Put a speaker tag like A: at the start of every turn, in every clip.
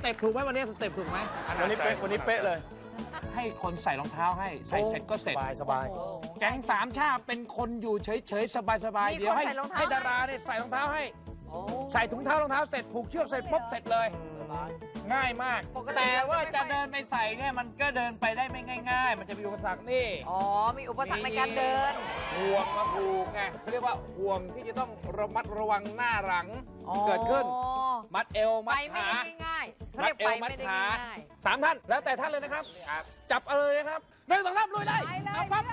A: เต็ปถูกไหมวันนี้สเต็ปถูกไหม
B: วันนี้เป๊ะเลย
A: ให้คนใส่รองเท้าให้ใส่เสร็จก็เสร็จ
B: สบาย
A: แก๊งสามชาติเป็นคนอยู่เฉยๆสบายๆเดี๋ยวให้ดาราเนี่ยใส่รองเท้าให้ใส่ถุงเท้ารองเท้าเสร็จผูกเชือกเสร็จปุ๊บเสร็จเลยง่ายมากแต่ว่าจะเดินไปใส่เนี่ยมันก็เดินไปได้ไม่ง่าย ๆ มันจะมีอุปสรรคนี่
C: อ๋อมีอุปสรรคในการเดิน
A: ห่วงมาผูกไงเขาเรียกว่าห่วงที่จะต้องระมัดระวังหน้าหลังเกิดขึ้นมัดเอวมั
C: ไป
A: ด
C: ไม่
A: ขา
C: ได้ง่ายๆเขา
A: มั
C: เรี
A: ด
C: ยก
A: เอ
C: ไป
A: วมั
C: ไม่
A: ด
C: ได้
A: ขา
C: ง่าย
A: สามท่านแล้วแต่ท่านเลยนะครับจับเอาเลยนะครับหนึ่งสองสามลุยเลยเอาปั๊บ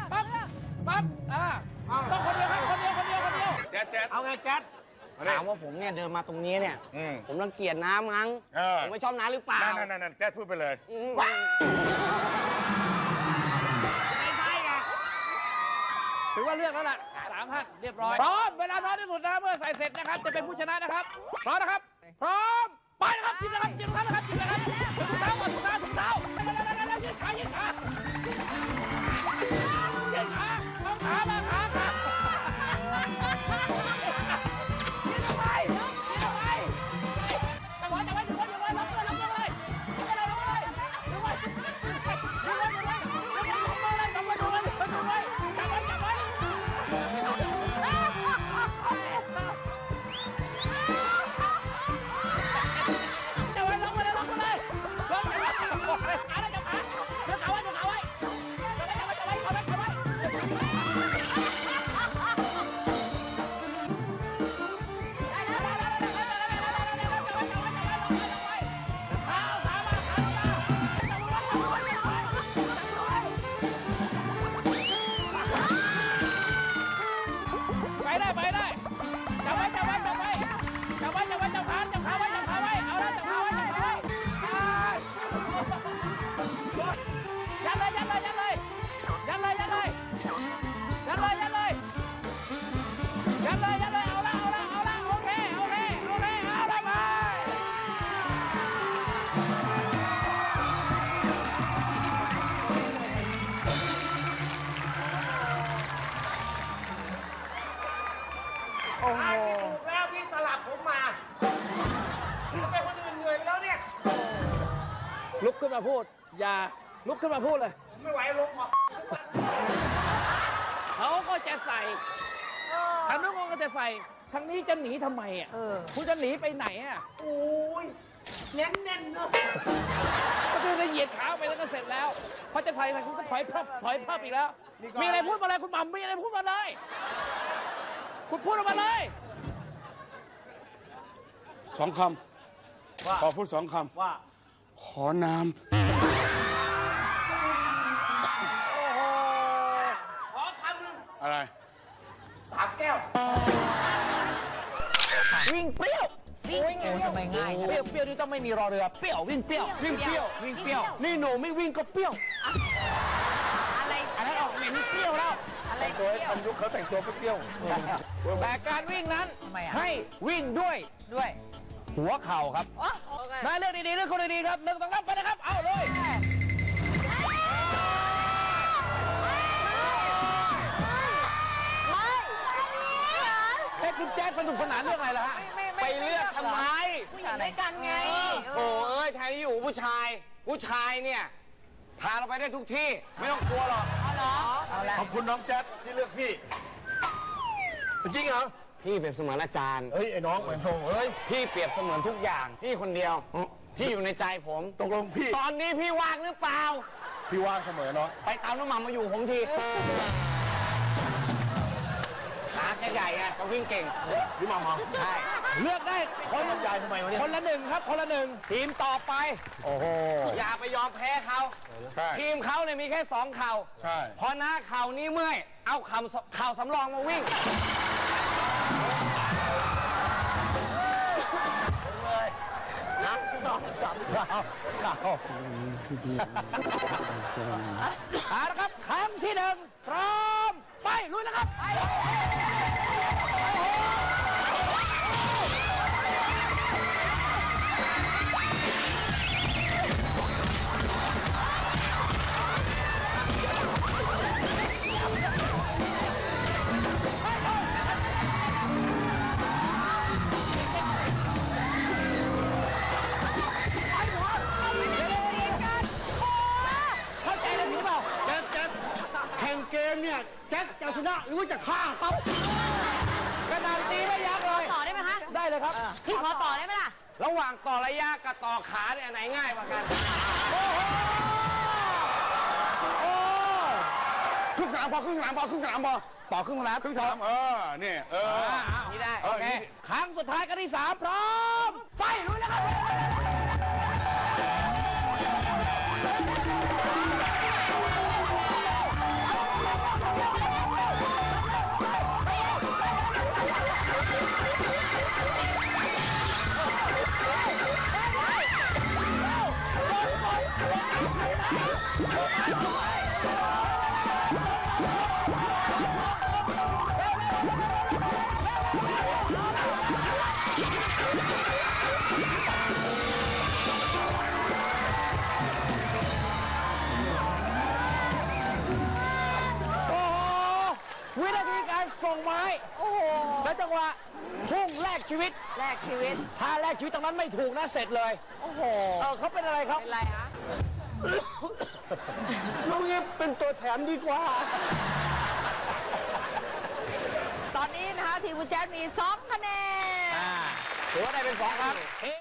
A: ต้องคนเดียวครับคนเดียว
B: แจ๊ด
A: เอาไงแจ๊ด
D: ถามว่าผมเนี่ยเดินมาตรงนี้เนี่ย ผมรังเกียจน้ำมั้งผมไม่ชอบน้ำหรือเปล่า
B: นั่นแจ๊ดพูดไปเลย
D: ไม่ใช่ไง
A: ถือว่าเลือกแล้วล่ะสามท่านเรียบร้อยพร้อมเวลาน้อยที่สุดนะเมื่อใส่เสร็จนะครับจะเป็นผู้ชนะนะครับพร้อมนะครับพร้อมไปนะครับจิ้มนะครับจิ้มนะครับจิ้มนะครับถุงเท้าก่อนถุงเท้ายืดขายืดขาเอาขามาขาไปจับไว้ล็อกเลยโอ้โห
D: ถูกแล้วพี่สลับผมมาเป็นคนอื่นเหนื่อยไปแล้วเนี่ย
A: ลุกขึ้นมาพูดอย่าลุกขึ้นมาพูดเลย
D: ไม่ไหวลงหรอก
A: เขาก็จะใส่ทางนู้นก็จะใส่ทางนี้จะหนีทำไมอ่ะคุณจะหนีไปไหนอ่ะ
D: โอ้ยเน้นเนอะ
A: ก็คือเหยียดขาไปแล้วก็เสร็จแล้วพอจะใส่อะไรคุณก็ถอยพับอีกแล้วมีอะไรพูดมาเลยคุณหม่ำมีอะไรพูดมาเลยคุณพูดออกมาเลย
B: 2 คำขอพูด2 คำว่าขอน้ำ
D: ขอคำหนึ่ง
B: อะไร
D: 3 แก้ว
A: วิ่งเปรี้ยว
C: วิ่งทำไมง่าย
A: เปรี้ยวนี่ต้องไม่มีรอเรือเปรี้ยววิ่งเปรี้ยว
B: วิ่งเปรี้ยว นี่หนูไม่วิ่งก็เปรี้ยว
C: อะไร
A: อันนั้นออกเหม็นเปรี้ยวแล้ว
C: อะไร
B: ตัว
C: เปรี้ยว
B: ทำยุคเขาแต่งตัวเปรี้ยว
A: แต่การวิ่งนั้น
C: ทำไมอ่ะ
A: ให้วิ่งด้วย
C: ด้วย
A: หัวเข่าครับ
C: โอเค
A: นายเลือกดีๆเลือกคนดีๆครับหนึ่งสองสามไปนะครับ เอาเลยคุณแจ๊ดสนุกสนานเรื่องอะไรล่ะฮะ
D: ไปเลือกทำไม
C: ผู้หญิงด้วยกันไง
D: โอ้เอ้ยแทนที่อยู่ผู้ชายเนี่ยพาเราไปได้ทุกที่ ไม่ต้องกลัวหรอก
C: เอาละ
B: ขอบคุณน้องแจ๊ดที่เลือกพี่ จริงเหรอ
D: พี่เปรียบเสมือนอาจารย์
B: เฮ้ย ไอ้น้องเหมือนโถเฮ้ย
D: พี่เปรียบเสมือนทุกอย่าง พี่คนเดียว ที่อยู่ในใจผม
B: ตกลงพี่
D: ตอนนี้พี่ว่างหรือเปล่า
B: พี่ว่างเสมอเนาะ
D: ไปตามน้ำมันมาอยู่ผมทีขาแกใหญ่ไงเขาวิ่งเก่ง
B: พี่มา
D: ใช่
A: เลือกได้คน
B: ยายทำไมวะเนี่ย
A: คนละหนึ่งครับ คนละหนึ่ง
D: ทีมต่อไป
B: โอ้โห
D: อย่าไปยอมแพ้เขา
B: ใช่
D: ทีมเขาเนี่ยมีแค่2 เข่า
B: ใช่
D: พอหน้าเข่านี้เมื่อย เอาเข่าสำรองมาวิ่ง นะ
A: เอาละครับครั้งที่หนึ่งพร้อมไปลุยนะครับ ไป
B: ข่งเกมเนี่ยแจ็คจะชนะหรือว่าจะฆ่าเขา
A: กระดานตีไม่ยักเลย
C: ต่อได้ไหมคะ
A: ได้เลยครับ
C: พี่ขอต่อได้ไหมล่ะ
D: ระหว่างต่อระยะกับต่อขาเนี่ยอันไหนง่ายกว่ากัน
B: ครึ่งสนามพอครึ่งสนามพอครึ่งสนามพอ
A: ต่อครึ่งสนาม
B: ครึ่งสนามนี่
D: นี่ได้
A: โอเคครั้งสุดท้ายกันที่3พร้อม ไปลุยแล้วครับ โอ้โห วินาทีการส่งไม้
C: โอ้โห
A: และจังหวะพุ่งแลกชีวิต
C: แลกชีวิต
A: ถ้าแลกชีวิตตรงนั้นไม่ถูกนะเสร็จเลย
C: โอ้โห
A: เขาเป็นอะไรครับ
C: เป็นไรคะ
B: น้องเอฟเป็นตัวแถมดีกว่า
C: ตอนนี้นะคะทีมคุณแจ๊ดมี2 คะแนน
A: ถือว่าได้เป็น2ครับ